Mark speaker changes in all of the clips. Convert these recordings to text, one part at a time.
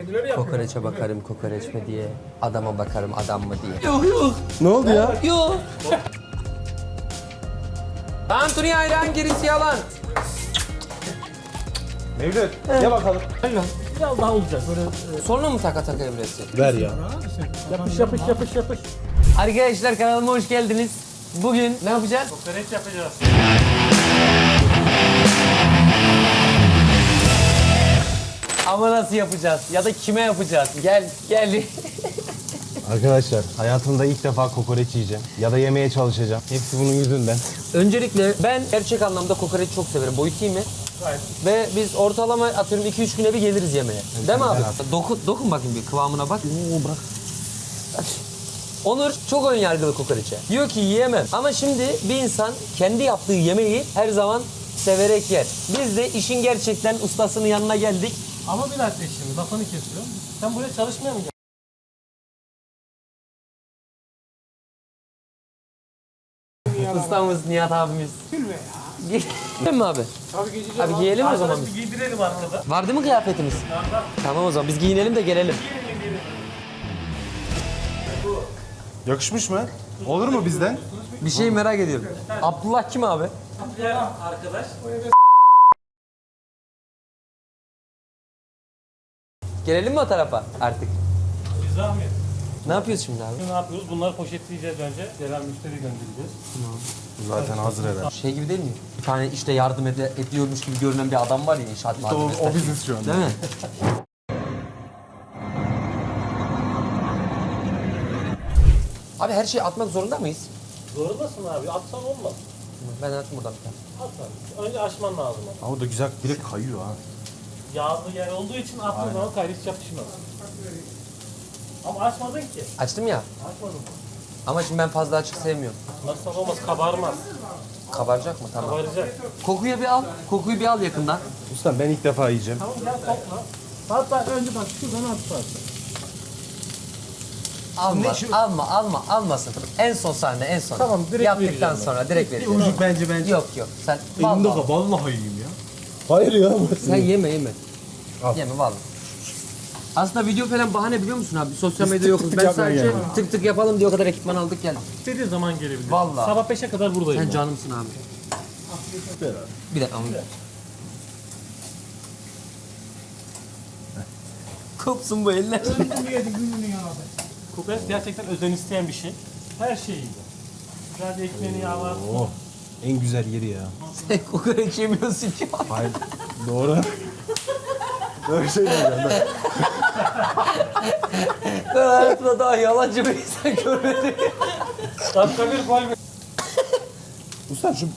Speaker 1: kendileri yapıyor.
Speaker 2: Kokoreçe bakarım kokoreç mi diye. Adama bakarım adam mı diye.
Speaker 3: Yok.
Speaker 4: Ne oldu ya?
Speaker 2: Yok. Tantuni ayran gerisi yalan.
Speaker 4: Mevlüt ye bakalım.
Speaker 1: Biraz daha olacak. Böyle
Speaker 2: Sonra mı taka taka evresi?
Speaker 4: Ver ya.
Speaker 1: yapış.
Speaker 2: Arkadaşlar kanalıma hoş geldiniz. Bugün ne yapacağız?
Speaker 1: Kokoreç yapacağız.
Speaker 2: Ama nasıl yapacağız? Ya da kime yapacağız? Gel.
Speaker 4: Arkadaşlar hayatımda ilk defa kokoreç yiyeceğim. Ya da yemeye çalışacağım. Hepsi bunun yüzünden.
Speaker 2: Öncelikle ben gerçek anlamda kokoreç çok severim. Boyutu iyi mi?
Speaker 1: Gayet.
Speaker 2: Ve biz ortalama atıyorum 2-3 güne bir geliriz yemeğe. Değil mi abi? Dokun bakayım bir kıvamına bak.
Speaker 4: Bırak.
Speaker 2: Onur çok ön yargılı kokoreçe. Diyor ki yiyemem. Ama şimdi bir insan kendi yaptığı yemeği her zaman severek yer. Biz de işin gerçekten ustasının yanına geldik.
Speaker 1: Ama bir dakika şimdi lafını kesiyorum. Sen buraya çalışmaya mı geldin?
Speaker 2: Ustamız Nihat abimiz.
Speaker 1: Gülme ya.
Speaker 2: Giyelim mi abi?
Speaker 1: Tabii giyeceğim.
Speaker 2: Abi giyelim o zaman
Speaker 1: Arkadaş bir giydirelim arkada.
Speaker 2: Var değil mi kıyafetimiz? Tamam o zaman biz giyinelim de gelelim.
Speaker 4: Yakışmış mı? Olur mu bizden?
Speaker 2: Bir şey merak ediyorum. Abdullah kim abi?
Speaker 1: Arkadaş.
Speaker 2: Gelelim mi o tarafa artık?
Speaker 1: Bir zahmet.
Speaker 2: Ne yapıyoruz şimdi abi?
Speaker 1: Ne yapıyoruz? Bunları poşetleyeceğiz önce. Gelen müşteri göndereceğiz.
Speaker 4: Zaten hazır eder.
Speaker 2: Şey gibi değil mi? Bir tane işte yardım ediyormuş gibi görünen bir adam var ya inşaat malzemesi.
Speaker 4: O biziz şu an.
Speaker 2: Değil mi? Abi her şeyi atmak zorunda mıyız?
Speaker 1: Zorundasın abi. Atsan olmaz.
Speaker 2: Ben atayım buradan bir tane.
Speaker 1: At abi. Önce açman lazım.
Speaker 4: Ama o da güzel direkt kayıyor ha.
Speaker 1: Yağlı yer olduğu için attığın zaman kaydı hiç yapışmaz. Ama açmadın ki.
Speaker 2: Açtım ya.
Speaker 1: Açmadın.
Speaker 2: Ama şimdi ben fazla açık sevmiyorum.
Speaker 1: Nasıl olmaz? Kabarmaz.
Speaker 2: Kabaracak mı? Tamam.
Speaker 1: Kabaracak.
Speaker 2: Kokuyu bir al. Kokuyu bir al yakından.
Speaker 4: Ustam ben ilk defa yiyeceğim.
Speaker 1: Tamam gel topla. Hatta önce bak şuradan at parça.
Speaker 2: Almasın. En son sahne en son.
Speaker 1: Tamam, direkt
Speaker 2: Yaptıktan
Speaker 1: vereceğim ben.
Speaker 2: sonra direkt vereceğim.
Speaker 4: Ucuk bence.
Speaker 2: Yok. Sen
Speaker 4: Elimde
Speaker 2: vallahi.
Speaker 4: vallahi yiyeyim ya. Hayır ya.
Speaker 2: Sen yeme.
Speaker 4: Al.
Speaker 2: Yeme vallahi. Aslında video falan bahane biliyor musun abi? Sosyal
Speaker 4: Biz
Speaker 2: medya
Speaker 4: tık
Speaker 2: yokuz.
Speaker 4: tık
Speaker 2: Ben
Speaker 4: yapmaya
Speaker 2: sadece
Speaker 4: geldik.
Speaker 2: tık tık yapalım diye o kadar ekipman aldık geldik.
Speaker 1: İstediğin zaman gelebilir.
Speaker 2: Vallahi.
Speaker 1: Sabah 5'e kadar buradayım.
Speaker 2: Sen canımsın abi. Bir dakika. Kopsun bu eller.
Speaker 1: Kokoreç gerçekten özen isteyen bir şey. Her şey iyi. Güzel bir ekmeğini yağlar.
Speaker 4: Oh. En güzel yeri ya.
Speaker 2: Sen kokoreç yemiyorsun ki.
Speaker 4: Hayır. Doğru. Böyle şey diyeceğim ben.
Speaker 2: Ben hayatımda daha yalancı bir insan görmedim.
Speaker 1: Dakika bir gol.
Speaker 4: Ustam şu...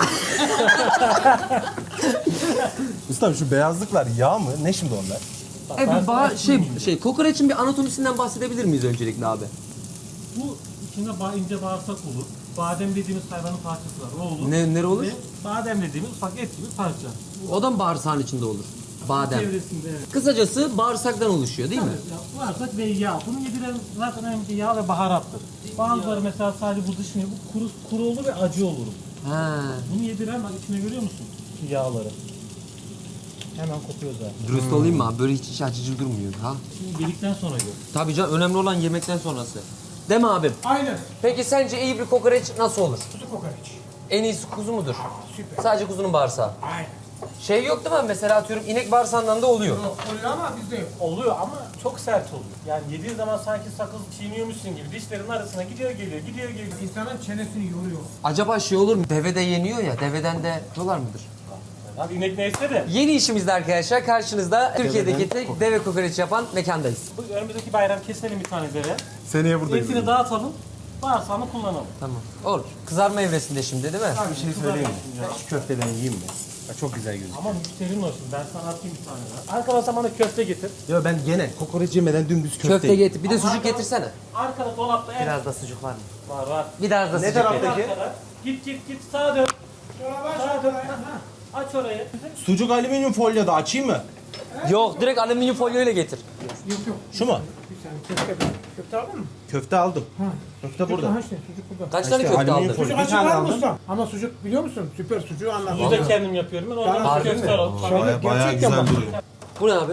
Speaker 4: Ustam şu beyazlıklar yağ mı? Ne şimdi onlar?
Speaker 2: Kokoreçin bir anatomisinden bahsedebilir miyiz öncelikle abi?
Speaker 1: Bu içinde ince bağırsak olur. Badem dediğimiz hayvanın parçası var. O olur.
Speaker 2: Nere olur?
Speaker 1: Ve badem dediğimiz ufak et gibi parça.
Speaker 2: O da mı bağırsağın içinde olur? Badem.
Speaker 1: Çevresinde evet.
Speaker 2: Kısacası bağırsaktan oluşuyor değil mi?
Speaker 1: Ya, bağırsak ve yağ. Bunu yediren zaten önemli yağ ve baharattır. Bazıları mesela sadece bu dışını, bu kuru olur ve acı olur.
Speaker 2: Ha.
Speaker 1: Bunu yediren bak içine görüyor musun? Şu yağları. Hemen kopuyor zaten.
Speaker 2: Dürüst olayım mı abi? Böyle hiç açıcı durmuyor ha.
Speaker 1: Şimdi yedikten sonra gör.
Speaker 2: Tabii canım önemli olan yemekten sonrası. Değil mi abim?
Speaker 5: Aynen.
Speaker 2: Peki sence iyi bir kokoreç nasıl olur?
Speaker 5: Kuzu kokoreç.
Speaker 2: En iyisi kuzu mudur?
Speaker 5: Süper.
Speaker 2: Sadece kuzunun bağırsağı.
Speaker 5: Aynen.
Speaker 2: Şey yok değil mi? Mesela atıyorum inek bağırsağından da oluyor.
Speaker 5: Yok, oluyor ama bizde yok.
Speaker 1: Oluyor ama çok sert oluyor. Yani yediğin zaman sanki sakız çiğniyormuşsun gibi dişlerin arasına gidiyor geliyor.
Speaker 5: İnsanın çenesini yoruyor.
Speaker 2: Acaba şey olur mu? Devede yeniyor ya. Deveden de yapıyorlar mıdır?
Speaker 1: Abi inek neyse de
Speaker 2: Yeni işimizde arkadaşlar karşınızda Türkiye'deki tek deve kokoreç yapan mekandayız.
Speaker 1: bu önümüzdeki bayram keselim bir tane deve.
Speaker 4: Seneye buradayız.
Speaker 1: Etini dağıtalım. Bağırsağını kullanalım.
Speaker 2: Tamam. Olur. Kızarma evresinde şimdi değil mi?
Speaker 4: Bir şey söyleyeyim mi? Şu köfteden yiyeyim mi? Bak çok güzel gözüküyor.
Speaker 1: Ama müşterin olsun. Ben sana atayım bir tane daha. Arkadaşlar bana köfte getir.
Speaker 4: Ya ben gene kokoreç yemeden dümdüz köfte
Speaker 2: Köfte getir. Bir de sucuk getirsene.
Speaker 1: Arkada dolapta et
Speaker 2: Biraz da sucuk var mı?
Speaker 1: var.
Speaker 2: Biraz da
Speaker 4: Ne
Speaker 2: sucuk
Speaker 4: taraftaki?
Speaker 2: getir.
Speaker 1: Arkada. Git sağa dön. Sağa dön. Aç orayı.
Speaker 4: Sucuk alüminyum folyoda açayım mı?
Speaker 2: Yok direkt alüminyum folyo ile getir.
Speaker 5: Yok.
Speaker 4: Şu mu?
Speaker 5: Bir saniye köfte aldın mı?
Speaker 4: Köfte aldım. Köfte burada.
Speaker 5: Ha işte sucuk burada.
Speaker 2: Kaç tane
Speaker 4: İşte
Speaker 2: köfte
Speaker 4: alüminyum
Speaker 2: aldın?
Speaker 4: folyo.
Speaker 5: Sucuk
Speaker 4: Bir
Speaker 5: acı
Speaker 4: tane
Speaker 5: var mı
Speaker 4: aldım.
Speaker 5: usta? Ama sucuk biliyor musun? Süper sucuğu anladım.
Speaker 1: Bunu da kendim yapıyorum. Ben oradan
Speaker 2: Harbi
Speaker 1: köfte
Speaker 2: mi?
Speaker 1: alalım.
Speaker 5: Şöyle
Speaker 4: Bayağı
Speaker 5: gerçekten
Speaker 4: güzel
Speaker 5: bak.
Speaker 4: duruyor.
Speaker 2: Bu ne abi?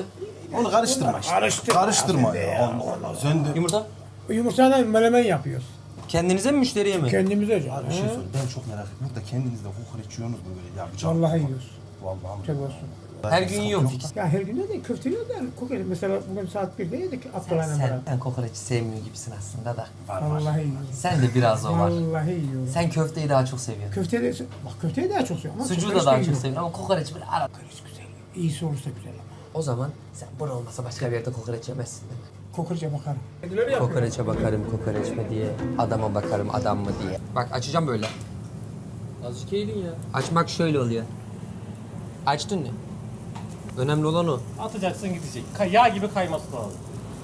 Speaker 4: Onu karıştırma işte. Karıştırma ya. Allah Allah. Söndü.
Speaker 2: Yumurta?
Speaker 5: Yumurtadan menemen yapıyoruz.
Speaker 2: Kendinize mi müşteriye mi?
Speaker 5: Kendimize canım.
Speaker 4: Bir şey sor. Ben çok merak ettim. Burada kendinizde kokoreç yiyorsunuz mu böyle? Ya bıçak.
Speaker 5: Vallahi yiyoruz.
Speaker 4: Vallahi.
Speaker 5: Çok olsun.
Speaker 2: Her gün yiyorum fix.
Speaker 5: Ya her gün de değil, köfte yiyoruz da kokoreç. Mesela bugün saat 1'de yedik Abdullah'la beraber.
Speaker 2: Sen kokoreçi sevmiyor gibisin aslında da.
Speaker 5: Vallahi yiyoruz.
Speaker 2: Sen de biraz o var.
Speaker 5: Vallahi yiyoruz.
Speaker 2: Sen köfteyi daha çok seviyorsun.
Speaker 5: Köfteyi de, bak köfteyi daha çok seviyorum. ama
Speaker 2: Sucuğu
Speaker 5: kokoreç
Speaker 2: da daha
Speaker 5: de
Speaker 2: çok
Speaker 5: yiyorum.
Speaker 2: seviyorsun ama kokoreç böyle ara.
Speaker 5: Kokoreç güzel. İyisi olursa güzel ama.
Speaker 2: O zaman sen burada olmasa başka bir yerde kokoreç yemezsin değil mi?
Speaker 5: Kokoreçe bakarım.
Speaker 2: Kokoreçe bakarım kokoreç mi diye, adama bakarım adam mı diye. Bak açacağım böyle.
Speaker 1: Azıcık eğilin ya.
Speaker 2: Açmak şöyle oluyor. Açtın mı? Önemli olan o.
Speaker 1: Atacaksın gidecek. Yağ gibi kayması lazım.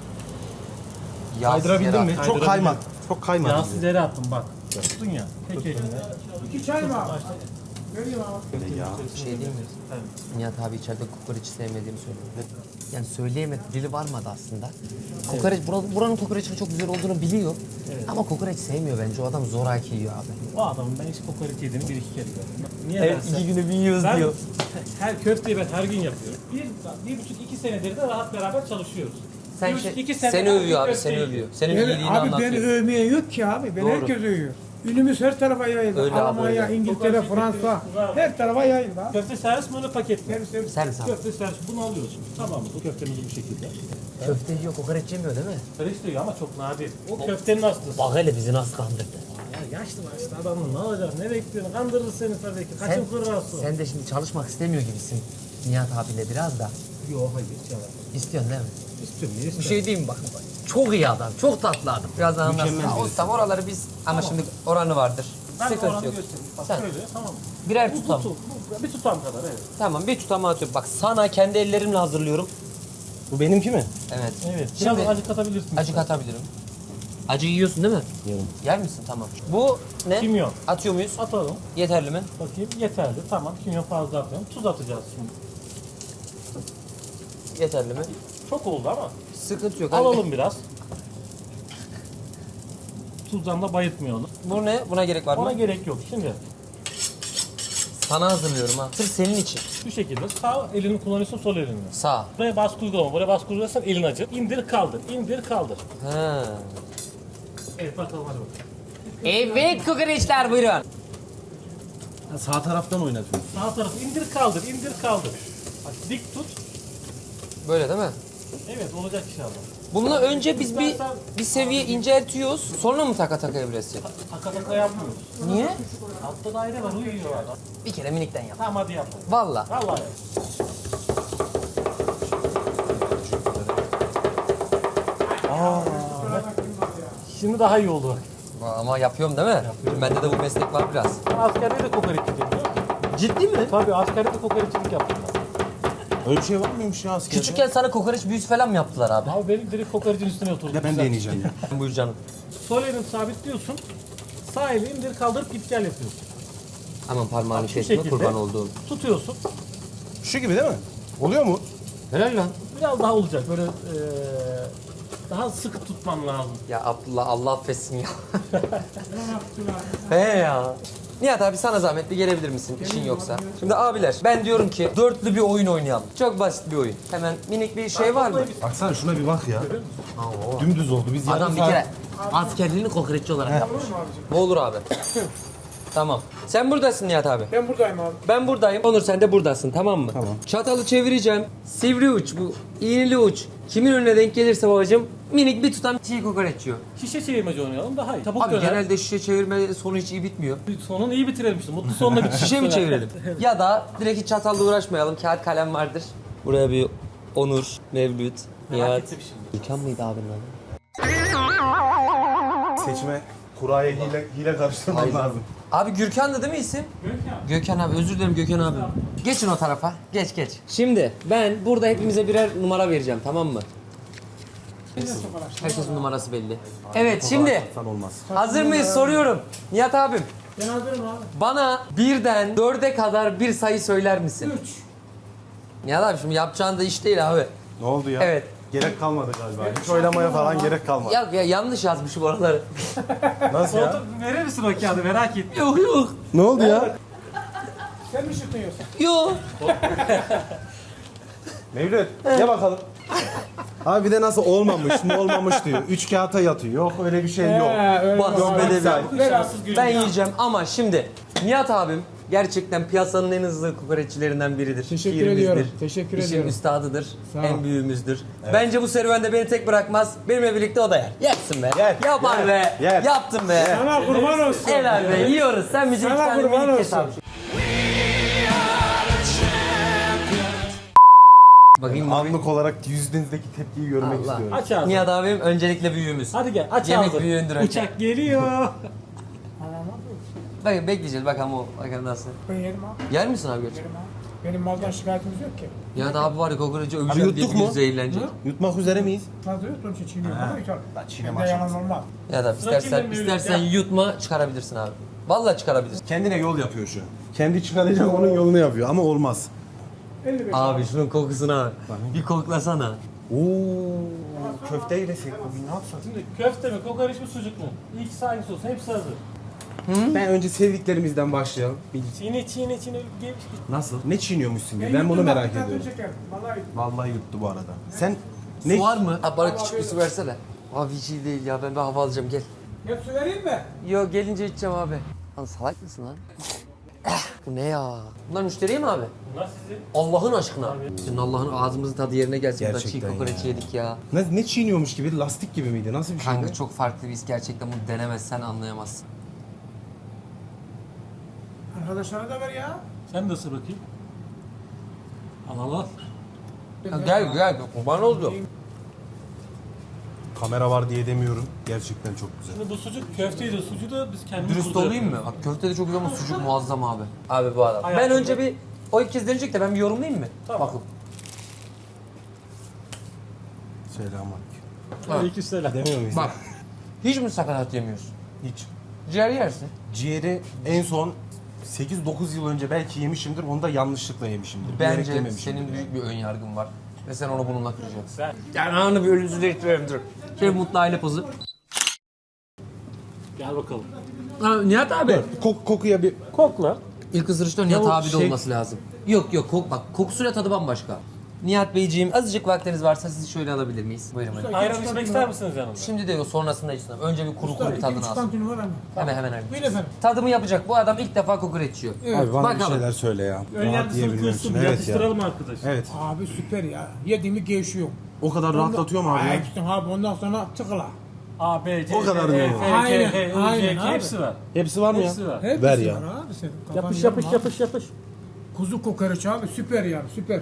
Speaker 4: Kaydırabildin mi?
Speaker 1: Kaydırabildin.
Speaker 4: Çok kaymadı. Çok kaymadı.
Speaker 1: Yağsız yere attım bak. Tuttun ya. Tek eline.
Speaker 5: 2 çay mı abi? Vereyim abi.
Speaker 2: Bir şey değil mi? Nihat abi içeride kokoreçi sevmediğimi söyledi. Yani söyleyemedi, dili varmadı aslında. Kokoreç, buranın kokoreçinin çok güzel olduğunu biliyor. Ama kokoreç sevmiyor bence. O adam zoraki yiyor abi.
Speaker 1: O adamın ben hiç kokoreç yediğini bir iki kere gördüm. Niye
Speaker 2: Evet,
Speaker 1: dersen?
Speaker 2: 2 günü bir yiyoruz
Speaker 1: Ben
Speaker 2: diyor.
Speaker 1: her köfteyi ben her gün yapıyorum. Bir buçuk iki senedir de rahat beraber çalışıyoruz.
Speaker 2: Sen
Speaker 1: Bir buçuk, iki senedir
Speaker 2: seni övüyor abi,
Speaker 1: köfte
Speaker 2: seni
Speaker 1: yiyor.
Speaker 2: övüyor. Senin
Speaker 5: Evet,
Speaker 2: iyiliğini
Speaker 5: abi beni
Speaker 2: anlatıyor.
Speaker 5: övmeye yok ki abi. Beni
Speaker 2: Doğru.
Speaker 5: herkes övüyor. Ünümüz her tarafa yayıldı.
Speaker 2: Öyle abi,
Speaker 5: Almanya,
Speaker 2: öyle.
Speaker 5: İngiltere,
Speaker 1: Kokoreç
Speaker 5: Fransa.
Speaker 1: şirketi,
Speaker 5: Her tarafa yayıldı abi.
Speaker 1: Köfte servis mi öyle paket mi?
Speaker 2: Servis abi.
Speaker 1: Köfte servis. Bunu alıyoruz. Tamam mı? Bu köftemizi bu şekilde.
Speaker 2: Köfte yiyor, kokoreç yemiyor değil mi?
Speaker 1: Kokoreç diyor ama çok nadir. O köftenin hastası.
Speaker 2: Bak hele bizi nasıl kandırdı.
Speaker 1: Ya yaşlı adamın ne olacak? Ne bekliyorsun? Kandırır seni tabii ki. Kaçın kırarsı.
Speaker 2: Sen de şimdi çalışmak istemiyor gibisin Nihat abiyle biraz da.
Speaker 1: Yok hayır. Yalan.
Speaker 2: İstiyorsun değil mi?
Speaker 1: İstiyorum. Niye
Speaker 2: Bir şey diyeyim mi bak. Çok iyi adam, çok tatlı adam. Birazdan anlarsın. Ha, ustam oraları biz ama şimdi oranı vardır.
Speaker 1: Ben
Speaker 2: Sıkıntı
Speaker 1: oranı
Speaker 2: yok.
Speaker 1: göstereyim. Bak
Speaker 2: Sen
Speaker 1: şöyle tamam mı?
Speaker 2: birer
Speaker 1: Bu
Speaker 2: tutam.
Speaker 1: bir tutam kadar evet.
Speaker 2: Tamam bir tutama atıyorum. Bak sana kendi ellerimle hazırlıyorum.
Speaker 4: Bu benimki mi?
Speaker 2: Evet.
Speaker 1: Evet. Biraz
Speaker 2: Şimdi
Speaker 1: acı katabilirsin.
Speaker 2: acı katabilirim. Acı yiyorsun değil mi?
Speaker 4: Yiyorum.
Speaker 2: Yer misin? Tamam. Bu ne?
Speaker 1: Kimyon.
Speaker 2: Atıyor muyuz?
Speaker 1: Atalım.
Speaker 2: Yeterli mi?
Speaker 1: Bakayım yeterli. Tamam. Kimyon fazla atıyorum. Tuz atacağız şimdi.
Speaker 2: Yeterli mi?
Speaker 1: Çok oldu ama.
Speaker 2: Sıkıntı yok.
Speaker 1: Alalım biraz. Tuzdan da bayıtmayalım.
Speaker 2: Bu ne? Buna gerek var
Speaker 1: Ona
Speaker 2: mı?
Speaker 1: gerek yok. Şimdi
Speaker 2: Sana hazırlıyorum ha. Sırf senin için.
Speaker 1: şu şekilde sağ elini kullanıyorsun, sol elini.
Speaker 2: Sağ.
Speaker 1: Buraya baskı uygulama. Buraya baskı uygularsan elin acır. İndir kaldır. İndir kaldır.
Speaker 2: Ha.
Speaker 1: Evet bakalım hadi bakalım.
Speaker 2: Evet kokoreçler buyurun.
Speaker 4: Ha, sağ taraftan oynatıyorsun.
Speaker 1: Sağ tarafı indir kaldır. İndir kaldır. Bak dik tut.
Speaker 2: Böyle değil mi?
Speaker 1: Evet olacak inşallah.
Speaker 2: Bunu önce biz bir seviye inceltiyoruz. Sonra mı taka taka evresin?
Speaker 1: Taka taka yapmıyoruz.
Speaker 2: Niye?
Speaker 1: Altta daire var uyuyor adam.
Speaker 2: Bir kere minikten yap.
Speaker 1: Tamam hadi yapalım.
Speaker 2: Valla.
Speaker 1: Vallahi. Şimdi daha iyi oldu bak.
Speaker 2: Ama yapıyorum değil mi? Bende de bu meslek var biraz.
Speaker 1: Ben askerde de kokoreççiydim biliyor musun?
Speaker 2: Ciddi mi?
Speaker 1: Tabii askerde de kokoreççilik yaptım ben.
Speaker 4: Öyle bir şey var mıymış ya askerde?
Speaker 2: Küçükken sana kokoreç büyüsü falan mı yaptılar abi?
Speaker 1: Abi benim direkt kokorecin üstüne oturdum.
Speaker 4: Ya ben
Speaker 1: Güzel.
Speaker 4: deneyeceğim ya.
Speaker 2: Buyur canım.
Speaker 1: Sol elini sabitliyorsun. Sağ eli indir kaldırıp git gel yapıyorsun.
Speaker 2: Aman parmağını
Speaker 1: Şu
Speaker 2: kesme
Speaker 1: şekilde.
Speaker 2: kurban olduğum.
Speaker 1: Tutuyorsun.
Speaker 4: Şu gibi değil mi? Oluyor mu?
Speaker 2: Helal lan.
Speaker 1: Biraz daha olacak böyle daha sıkı tutman lazım.
Speaker 2: Ya Abdullah Allah affetsin ya. He ya. Nihat abi sana zahmet bir gelebilir misin işin yoksa? Şimdi abiler ben diyorum ki dörtlü bir oyun oynayalım. Çok basit bir oyun. Hemen minik bir şey var mı?
Speaker 4: Baksana şuna bir bak ya. Dümdüz oldu. Biz
Speaker 2: Adam
Speaker 4: yarım
Speaker 2: bir
Speaker 4: saat-
Speaker 2: kere askerliğini kokoreççi olarak yapmış. Ne olur abi. Tamam. Sen buradasın Nihat abi.
Speaker 5: Ben buradayım abi.
Speaker 2: Ben buradayım. Onur sen de buradasın tamam mı?
Speaker 4: Tamam.
Speaker 2: Çatalı çevireceğim. Sivri uç bu. İğneli uç. Kimin önüne denk gelirse babacığım minik bir tutam çiğ kokoreç yiyor.
Speaker 1: Şişe çevirmece oynayalım daha iyi. Çabuk
Speaker 2: Abi
Speaker 1: döner.
Speaker 2: genelde şişe çevirme sonu hiç iyi bitmiyor.
Speaker 1: Sonunu iyi bitirelim işte. Mutlu sonla bitir.
Speaker 2: Şişe mi çevirelim? Ya da direkt hiç çatalla uğraşmayalım. Kağıt kalem vardır. Buraya bir Onur, Mevlüt, Nihat.
Speaker 1: ettim şimdi.
Speaker 2: İlkan mıydı abinin adı?
Speaker 4: Seçime kuraya hile karıştırmam lazım.
Speaker 2: Abi Gürkan'dı değil mi isim? Gökhan abi özür dilerim Gökhan abi. Geçin o tarafa. Geç geç. Şimdi ben burada hepimize birer numara vereceğim tamam mı? Herkesin numarası belli. Evet şimdi
Speaker 4: Sen olmaz.
Speaker 2: hazır mıyız soruyorum. Nihat abim
Speaker 5: Ben hazırım abi.
Speaker 2: bana birden 4'e kadar bir sayı söyler misin?
Speaker 5: 3.
Speaker 2: Nihat abi şimdi yapacağın da iş değil abi.
Speaker 4: Ne oldu ya?
Speaker 2: Evet.
Speaker 4: Gerek kalmadı galiba. Hiç oylamaya falan gerek kalmadı.
Speaker 2: Ya yanlış yazmışım oraları.
Speaker 4: Nasıl ya?
Speaker 1: Verir misin o kağıdı merak ettim.
Speaker 2: Yok yok.
Speaker 4: Ne oldu ya?
Speaker 5: Sen mi şutluyorsun?
Speaker 2: Yok.
Speaker 4: Mevlüt, gel bakalım. Abi bir de nasıl olmamış mı olmamış diyor. 3 kağıta yatıyor. Yok öyle bir şey yok.
Speaker 5: Öyle
Speaker 2: Bas
Speaker 5: var.
Speaker 2: be de
Speaker 4: Sen-
Speaker 2: bir.
Speaker 1: Şanssız günü.
Speaker 2: Ben yiyeceğim ama şimdi Nihat abim gerçekten piyasanın en hızlı kokoreççilerinden biridir.
Speaker 5: Teşekkür
Speaker 2: Şiirimizdir.
Speaker 5: ediyorum. Teşekkür
Speaker 2: İşin
Speaker 5: ediyorum.
Speaker 2: üstadıdır.
Speaker 5: Sağ ol.
Speaker 2: En büyüğümüzdür. Bence bu serüvende beni tek bırakmaz. Benimle birlikte o da yer. Yersin be.
Speaker 4: Yer,
Speaker 2: Yapar
Speaker 4: yer,
Speaker 2: be.
Speaker 4: yer.
Speaker 2: Yaptın be.
Speaker 5: Sana kurban olsun.
Speaker 2: Helal be. Yiyoruz. Sen bizi
Speaker 5: Sana
Speaker 2: iki tane
Speaker 5: kurban
Speaker 2: minik kes
Speaker 5: olsun.
Speaker 2: abi. Bakayım.
Speaker 4: Anlık olarak yüzünüzdeki tepkiyi görmek
Speaker 2: Allah.
Speaker 4: istiyorum.
Speaker 1: Aç ağzını.
Speaker 2: Nihat abim öncelikle büyüğümüz.
Speaker 1: Hadi gel aç
Speaker 2: Yemek
Speaker 1: ağzını.
Speaker 2: büyüğündür önce.
Speaker 1: Uçak geliyor.
Speaker 2: Bakın bekleyeceğiz bakalım o. Bakalım nasıl.
Speaker 5: Ben yerim abi.
Speaker 2: Yer misin abi gerçekten?
Speaker 5: Yerim abi. Benim maldan şikayetimiz yok ki.
Speaker 2: Nihat abi var ya kokoreci öveceğim diye
Speaker 4: yuttuk
Speaker 2: bir gün
Speaker 4: mu?
Speaker 2: zehirlenecek.
Speaker 4: Yutmak üzere miyiz?
Speaker 5: Fazla yok, onun için çiğniyorum. Bana yeter.
Speaker 4: çiğneme
Speaker 5: Bende yalan
Speaker 4: aşaması.
Speaker 5: olmaz.
Speaker 2: Ya da
Speaker 1: Rakibim büyük
Speaker 2: istersen
Speaker 1: ya.
Speaker 2: yutma çıkarabilirsin abi. Vallahi çıkarabilirsin.
Speaker 4: Kendine yol yapıyor şu an. Kendi çıkaracak onun yolunu yapıyor ama olmaz.
Speaker 5: 55
Speaker 2: Abi şunun kokusuna bir koklasana.
Speaker 4: Oo, köfte yesek bugün ne yapsak?
Speaker 1: Şimdi köfte mi, kokoreç mi, sucuk mu? İkisi hangisi olsun, hepsi hazır.
Speaker 4: Ben önce sevdiklerimizden başlayalım.
Speaker 1: Çiğne çiğne çiğne gelmiş.
Speaker 4: Nasıl? Ne çiğniyormuşsun gibi? Ben bunu
Speaker 5: yuttum
Speaker 4: merak
Speaker 5: bak, bir
Speaker 4: ediyorum.
Speaker 5: tane çeker. Vallahi
Speaker 4: Vallahi yuttu bu arada. Sen
Speaker 2: Su var mı? Abi bana küçük bir su versene. Abi hiç iyi değil ya ben bir hava alacağım gel.
Speaker 5: hep su vereyim mi?
Speaker 2: Yo gelince içeceğim abi. Lan salak mısın lan? Bu ne ya? Bunlar müşteriye mi abi?
Speaker 1: Bunlar sizin.
Speaker 2: Allah'ın aşkına. Senin Allah'ın ağzımızın tadı yerine gelsin. Burada çiğ
Speaker 4: Gerçekten
Speaker 2: kokoreç
Speaker 4: ya.
Speaker 2: yedik ya.
Speaker 4: Ne çiğniyormuş gibi? Lastik gibi miydi? Nasıl bir şey?
Speaker 2: Kanka çok farklı bir his gerçekten bunu denemezsen anlayamazsın.
Speaker 5: Arkadaşlara da ver ya.
Speaker 1: Sen de ısır bakayım. Al al al.
Speaker 2: Ya gel kurban oldu.
Speaker 4: Kamera var diye demiyorum. Gerçekten çok güzel.
Speaker 1: Şimdi bu sucuk köfteydi. Sucuğu da biz kendimiz
Speaker 2: Dürüst
Speaker 1: burada
Speaker 2: olayım mı?
Speaker 1: yapıyoruz.
Speaker 2: Bak köfte de çok güzel ama sucuk muazzam abi. Abi bu adam. Ben
Speaker 1: Hayatımda-
Speaker 2: önce bir o ilk kez deneyecek de ben bir yorumlayayım mı?
Speaker 1: Tamam.
Speaker 2: Bakın.
Speaker 4: Selamünaleyküm.
Speaker 1: Aleykümselam.
Speaker 4: Demiyor muyuz?
Speaker 2: Bak. Hiç mi sakatat yemiyorsun?
Speaker 4: Hiç.
Speaker 2: Ciğer yersin.
Speaker 4: Ciğeri en son 8-9 yıl önce belki yemişimdir. Onu da yanlışlıkla yemişimdir. Bilerek
Speaker 2: Bence
Speaker 4: yememişimdir.
Speaker 2: senin büyük bir ön yargın var. Ve sen onu bununla kıracaksın.
Speaker 1: Sen.
Speaker 2: Yani anı bir ölümsüzleştirelim dur. Şöyle mutlu aile pozu.
Speaker 1: Gel bakalım.
Speaker 2: Ha, Nihat abi.
Speaker 4: Kokuya bir...
Speaker 1: Kokla.
Speaker 2: İlk ısırışta Nihat
Speaker 4: o
Speaker 2: abi de
Speaker 4: şey-
Speaker 2: olması lazım. Yok bak kokusuyla tadı bambaşka. Nihat Beyciğim azıcık vaktiniz varsa sizi şöyle alabilir miyiz? Buyurun buyurun.
Speaker 1: Ayran içmek ister misiniz yanında?
Speaker 2: Şimdi değil o sonrasında içsin. Önce bir kuru bir tadını
Speaker 5: 2-3
Speaker 2: alsın.
Speaker 5: tantuni var ama.
Speaker 2: Hemen.
Speaker 5: Buyurun efendim.
Speaker 2: Tadımı yapacak. Bu adam ilk defa kokoreç yiyor.
Speaker 4: Abi bana bir
Speaker 2: Bakalım.
Speaker 4: şeyler söyle ya. Rahat
Speaker 1: Önyargısını
Speaker 4: yiyebilmem
Speaker 1: kırsın,
Speaker 4: için.
Speaker 1: bir
Speaker 4: Evet ya.
Speaker 1: yatıştıralım arkadaş.
Speaker 4: Evet.
Speaker 5: Abi süper ya. Yediğimi gevşiyor.
Speaker 4: O kadar rahatlatıyor mu abi ya?
Speaker 5: Hepsini abi ondan sonra tıkla.
Speaker 1: A, B, C,
Speaker 4: O kadar
Speaker 1: D,
Speaker 4: mı?
Speaker 1: E, F, G,
Speaker 5: Aynen,
Speaker 1: H, I, J,
Speaker 5: aynen
Speaker 1: K
Speaker 5: abi.
Speaker 1: hepsi var.
Speaker 4: Hepsi var mı ya?
Speaker 1: Hepsi var.
Speaker 5: Hepsi
Speaker 4: Ver ya.
Speaker 5: var abi senin. Kafan
Speaker 1: Yapış
Speaker 5: yorma
Speaker 1: yapış
Speaker 5: abi.
Speaker 1: yapış yapış.
Speaker 5: Kuzu kokoreç abi süper yani süper.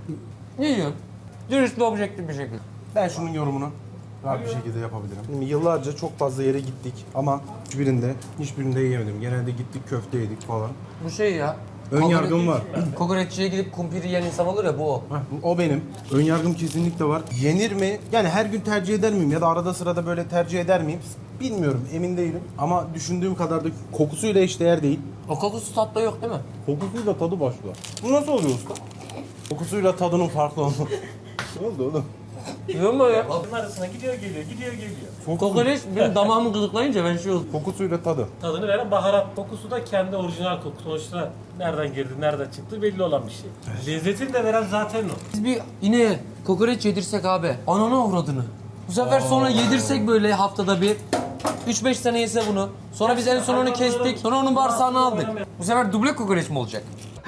Speaker 2: Ne yiyorsun? Dürüst ve objektif bir şekilde.
Speaker 4: Ben şunun yorumunu rahat bir şekilde yapabilirim. Şimdi yıllarca çok fazla yere gittik ama hiçbirinde yiyemedim. Genelde gittik köfte yedik falan.
Speaker 2: Bu şey ya.
Speaker 4: Ön yargım var.
Speaker 2: Kokoreççiye gidip kumpiri yiyen insan olur ya bu o.
Speaker 4: O benim. Ön yargım kesinlikle var. Yenir mi? Yani her gün tercih eder miyim ya da arada sırada böyle tercih eder miyim? Bilmiyorum, emin değilim. Ama düşündüğüm kadar da kokusuyla eşdeğer değil.
Speaker 2: O kokusu tatlı yok değil mi?
Speaker 4: Kokusuyla tadı başka. Bu nasıl oluyor usta? Kokusuyla tadının farklı olması. Ne oldu oğlum?
Speaker 2: Yiyor mu ya?
Speaker 1: Bunun arasına gidiyor geliyor, gidiyor geliyor.
Speaker 2: Kokoreç benim damağımı gıdıklayınca ben şey oldum.
Speaker 4: Kokusuyla tadı.
Speaker 1: Tadını veren baharat kokusu da kendi orijinal koku. Sonuçta nereden girdi, nereden çıktı belli olan bir şey. Lezzetini de veren zaten o.
Speaker 2: Biz bir ineğe kokoreç yedirsek abi. Ananı avradını. Bu sefer sonra yedirsek böyle haftada bir. 3-5 sene yese bunu. Sonra biz en son onu kestik. Sonra onun bağırsağını aldık. Bu sefer duble kokoreç mi olacak?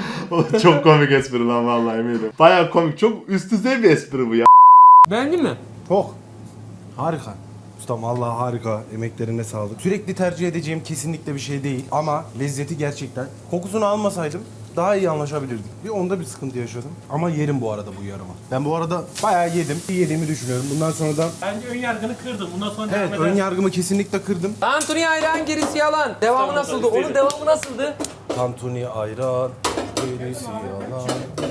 Speaker 3: Çok komik espri lan vallahi eminim. Baya komik. Çok üst düzey bir espri bu ya.
Speaker 2: Beğendin mi?
Speaker 4: Çok. Harika. Ustam vallahi harika. Emeklerine sağlık. Sürekli tercih edeceğim kesinlikle bir şey değil. Ama lezzeti gerçekten. Kokusunu almasaydım daha iyi anlaşabilirdik. Bir onda bir sıkıntı yaşadım. Ama yerim bu arada bu yarımı. Ben bu arada bayağı yedim. İyi yediğimi düşünüyorum. Bundan sonra da
Speaker 1: Bence ön yargını kırdım. Bundan sonra
Speaker 4: evet
Speaker 1: devam
Speaker 4: ön
Speaker 1: eder.
Speaker 4: yargımı kesinlikle kırdım.
Speaker 2: Tantuni ayran gerisi yalan. Devamı nasıldı? Onun devamı nasıldı?
Speaker 4: Tantuni ayran. Gerisi yalan.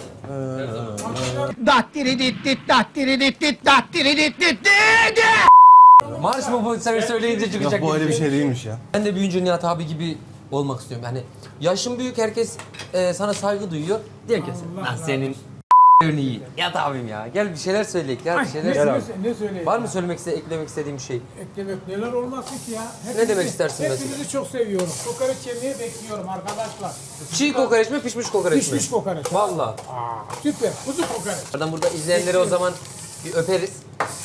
Speaker 2: Marş mı bu sefer söyleyince çıkacak
Speaker 4: Ya bu
Speaker 2: gibi
Speaker 4: öyle bir şey değilmiş ya.
Speaker 2: Ben de büyüyünce Nihat abi gibi olmak istiyorum. Yani yaşın büyük herkes sana saygı duyuyor. Diyor ki lan senin iyi. Nihat abim ya. Gel bir şeyler söyleyek ya. Bir şeyler
Speaker 5: Ne söyleyeyim?
Speaker 2: Var mı eklemek istediğim bir şey?
Speaker 5: Eklemek neler olmasın ki ya.
Speaker 2: Ne demek istersin mesela?
Speaker 5: Hepinizi çok seviyorum. Kokoreç yemeği bekliyorum arkadaşlar.
Speaker 2: Çiğ kokoreç mi, pişmiş kokoreç mi?
Speaker 5: Pişmiş kokoreç.
Speaker 2: Valla.
Speaker 5: Aa, süper. Kuzu kokoreç.
Speaker 2: Buradan burada izleyenlere o zaman Bir öperiz.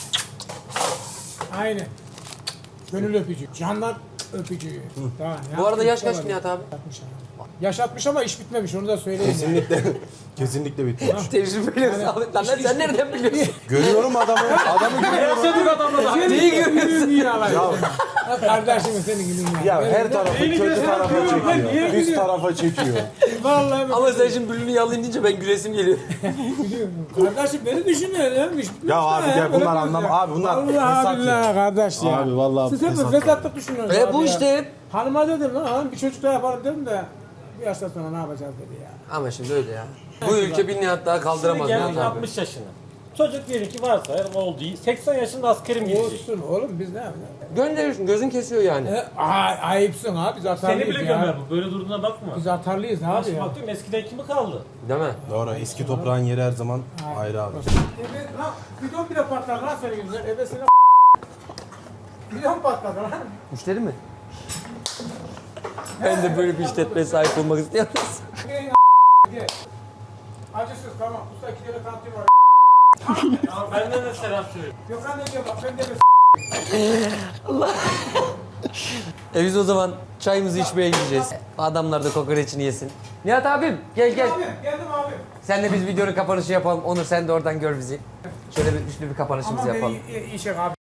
Speaker 5: Aynen. Gönül öpücü. Candan öpücüğü. Daha ne
Speaker 2: Bu arada yaş
Speaker 5: yapmış
Speaker 2: kaç
Speaker 5: olabilir?
Speaker 2: Nihat abi?
Speaker 5: 60 abi. Yaş 60 ama iş bitmemiş onu da söyleyeyim.
Speaker 4: Kesinlikle. Kesinlikle bitmiş.
Speaker 2: Tecrübeli Ahmet lan sen nereden biliyorsun?
Speaker 4: Görüyorum adamı. Adamı görüyorum.
Speaker 1: Yaşadık adamla da.
Speaker 2: Neyi görüyorsun?
Speaker 5: Kardeşim senin gibi
Speaker 4: Ya her tarafı kötü tarafa çekiyor. Üst tarafa çekiyor.
Speaker 5: Vallahi
Speaker 2: Ama sen şimdi bülünü yalayın deyince ben gülesim geliyor.
Speaker 5: biliyorum. Kardeşim beni düşünüyor ya. İş bitmemiş
Speaker 4: Ya abi
Speaker 5: daha
Speaker 4: gel
Speaker 5: Öyle
Speaker 4: bunlar
Speaker 5: diyorsun
Speaker 4: anlam.
Speaker 5: ya.
Speaker 4: Abi bunlar
Speaker 5: Allah
Speaker 4: fesat ya.
Speaker 5: billah kardeş ya.
Speaker 4: Abi vallahi
Speaker 5: Siz hep
Speaker 4: fesat.
Speaker 5: fesatlık düşünüyorsunuz abi
Speaker 2: Bu
Speaker 5: ya.
Speaker 2: işte.
Speaker 5: Hanıma dedim lan hanım bir çocuk daha yaparım dedim de bir yaştan sonra ne yapacağız dedi ya.
Speaker 2: Ama şimdi öyle ya. Bu ülke bir Nihat daha
Speaker 1: Şimdi
Speaker 2: kaldıramaz
Speaker 1: geldik
Speaker 2: Nihat abi.
Speaker 1: 60 yaşına. Çocuk diyelim ki varsa oldu. 80 yaşında askerim gidecek.
Speaker 5: Olsun oğlum biz ne yapacağız?
Speaker 2: Gönderiyorsun gözün kesiyor yani.
Speaker 5: Ayıpsın abi biz atarlıyız
Speaker 1: Seni bile
Speaker 5: ya.
Speaker 1: gömer bu. Böyle durduğuna bakma.
Speaker 5: Biz atarlıyız abi
Speaker 1: Şimdi
Speaker 5: ya.
Speaker 1: baktım eskiden kimi kaldı?
Speaker 2: Değil mi?
Speaker 4: Doğru eski toprağın yeri her zaman ayrı abi.
Speaker 5: Evet lan bidon bile patlar lan senin yüzünden. Ebesine bidon patladı lan.
Speaker 2: Müşteri mi? Ben de böyle bir işletmeye sahip olmak istiyorum.
Speaker 5: Gel. Acısız tamam. Usta 2 tane kantin var.
Speaker 1: Ya benden de selam söyle.
Speaker 5: Gökhan ne diyor bak ben de
Speaker 2: Biz o zaman çayımızı içmeye gideceğiz. Adamlar da kokoreçini yesin. Nihat abim gel gel.
Speaker 5: Abi geldim abi.
Speaker 2: Sen de biz videonun kapanışı yapalım. Onur sen de oradan gör bizi. Şöyle bir üçlü bir kapanışımızı
Speaker 5: Aman
Speaker 2: yapalım.
Speaker 5: beni işe abi.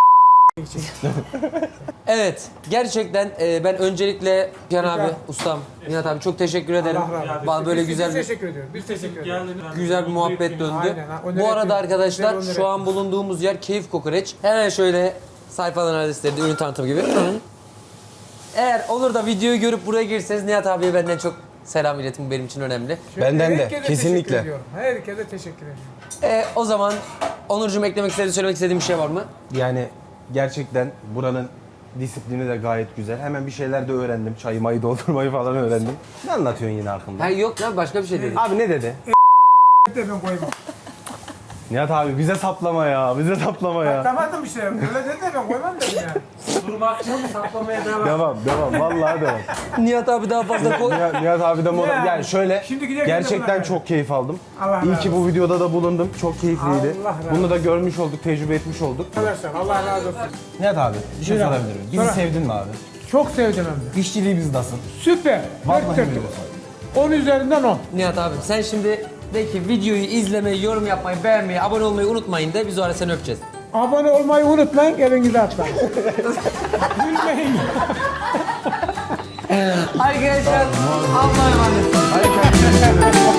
Speaker 2: Evet, gerçekten ben öncelikle Can abi, ustam, Nihat abi çok teşekkür ederim.
Speaker 5: Allah razı olsun.
Speaker 2: Bana böyle
Speaker 5: Biz
Speaker 2: güzel bir
Speaker 5: teşekkür ediyoruz. Biz teşekkür ediyoruz.
Speaker 2: güzel bir muhabbet döndü.
Speaker 5: Aynen, ha, onur
Speaker 2: Bu arada
Speaker 5: ettim.
Speaker 2: arkadaşlar
Speaker 5: Onur
Speaker 2: şu an
Speaker 5: ettim.
Speaker 2: bulunduğumuz yer Keyif Kokoreç. Hemen şöyle sayfaların adresleri de ürün tanıtımı gibi. Eğer olur da videoyu görüp buraya girseniz Nihat abiye benden çok selam iletin, bu benim için önemli.
Speaker 4: Benden de,
Speaker 5: Herkese
Speaker 4: kesinlikle.
Speaker 5: teşekkür ediyorum. Herkese teşekkür ediyorum.
Speaker 2: O zaman Onurcuğum eklemek istediğin, söylemek istediğin bir şey var mı?
Speaker 4: Yani gerçekten buranın disiplini de gayet güzel. Hemen bir şeyler de öğrendim. Çayı mayı doldurmayı falan öğrendim. Ne anlatıyorsun yine arkamda?
Speaker 2: Ha yok ya başka bir şey değil.
Speaker 4: Abi ne dedi?
Speaker 5: De ben koymam.
Speaker 4: Nihat abi bize saplama ya. Bize saplama ya.
Speaker 5: Tamam işte. Öyle dedi de ben koymam dedim yani.
Speaker 1: Durmak yok, saplamaya devam.
Speaker 4: Devam. Vallahi devam.
Speaker 2: Nihat abi daha fazla koy.
Speaker 4: Nihat abi de
Speaker 5: Ya,
Speaker 4: yani şöyle
Speaker 5: şimdi giderken de
Speaker 4: gerçekten
Speaker 5: buna
Speaker 4: çok keyif aldım.
Speaker 5: Allah
Speaker 4: İyi
Speaker 5: razı
Speaker 4: ki bu videoda da bulundum. Çok keyifliydi.
Speaker 5: Allah razı
Speaker 4: Bunu da görmüş olduk, tecrübe etmiş olduk.
Speaker 5: Arkadaşlar Allah razı olsun.
Speaker 4: Nihat abi bir şey
Speaker 5: Buyur abi.
Speaker 4: sorabilir miyim? Bizi
Speaker 5: Sonra-
Speaker 4: sevdin mi abi?
Speaker 5: Çok sevdim hem de.
Speaker 4: İşçiliğimiz nasıl?
Speaker 5: Süper.
Speaker 4: Vallahi
Speaker 5: Dört dörtlük.
Speaker 4: öyle.
Speaker 5: 10 üzerinden 10.
Speaker 2: Nihat abim sen şimdi de ki videoyu izlemeyi, yorum yapmayı, beğenmeyi, abone olmayı unutmayın de biz o ara seni öpeceğiz.
Speaker 5: Abone olmayı unutmayın. Evinize atlayın. Gülmeyin.
Speaker 2: Arkadaşlar Allah'a emanet.
Speaker 4: Hadi kendinize iyi bakın.